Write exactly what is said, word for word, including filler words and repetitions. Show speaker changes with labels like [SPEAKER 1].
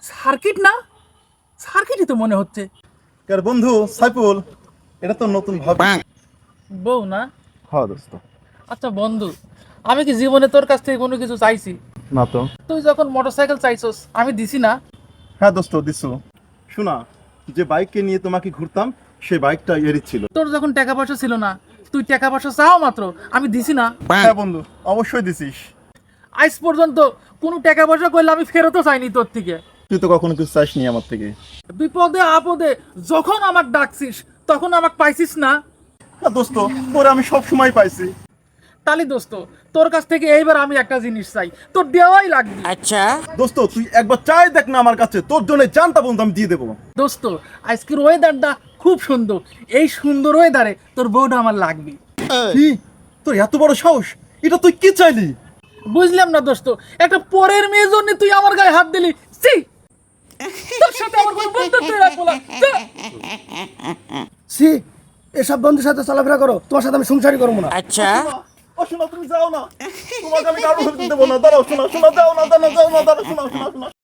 [SPEAKER 1] Circuit না, সার্কিটই তো মনে হচ্ছে।
[SPEAKER 2] কার বন্ধু সাইফুল, এটা তো নতুন ভাবি।
[SPEAKER 1] বউ না?
[SPEAKER 2] হ্যাঁ দোস্ত।
[SPEAKER 1] আচ্ছা বন্ধু, আমি কি জীবনে তোর কাছ থেকে কোনো কিছু চাইছি?
[SPEAKER 2] না তো।
[SPEAKER 1] তুই যখন মোটরসাইকেল চাইছস আমি দিছি না?
[SPEAKER 2] হ্যাঁ দোস্ত দিছো। শোনা, যে বাইককে নিয়ে তোমাকে ঘুরতাম সেই বাইকটা এরই ছিল।
[SPEAKER 1] তোর যখন টাকা পয়সা ছিল না, তুই টাকা পয়সা চাও মাত্র, আমি দিছি না?
[SPEAKER 2] হ্যাঁ বন্ধু, অবশ্যই দিছিস।
[SPEAKER 1] আজ পর্যন্ত কোনো টাকা পয়সা করলে আমি ফেরতও চাইনি তোর থেকে।
[SPEAKER 2] তুই তো কখনো কিছু চাইসনি আমার থেকে।
[SPEAKER 1] বিপদে আপদে যখন আমাকে ডাকছিস তখন আমাকে পাইছিস না?
[SPEAKER 2] হ্যাঁ দোস্ত, তোরে আমি সব সময় পাইছি।
[SPEAKER 1] তালি দোস্ত, তোর কাছ থেকে এইবার আমি একটা জিনিস চাই, তোর দেওয়াই লাগবে।
[SPEAKER 3] अच्छा
[SPEAKER 2] দোস্ত তুই একবার চাই দেখ না আমার কাছে, তোর জন্য জানতা বন্ধু আমি দিয়ে দেবো।
[SPEAKER 1] দোস্ত, আজকের ওয়েদারটা খুব সুন্দর, এই সুন্দর ওয়েদারে তোর বউটা আমার লাগবে।
[SPEAKER 2] কি, তোর এত বড় সাহস? এটা তুই কি চাইলি?
[SPEAKER 1] বুঝলাম না দোস্ত, একটা পরের মেয়ের জন্য তুই আমার গায়ে হাত দিলি। সি, তোর সাথে আমার কোনো বন্ধুত্ব রাখবো না। যা।
[SPEAKER 4] সি, এসব বন্ধুর সাথে চলাফেরা করো, তোমার সাথে আমি সংসারই করবো না।
[SPEAKER 3] अच्छा
[SPEAKER 2] ও শোনা, তুমি যাও না, তোমাকে আমি কারো হতে দেবো না। দাঁড়াও শোনা, শোনা, যাও না, দাঁড়াও, যাও না, দাঁড়াও, শোনা, শোনা, শোনা।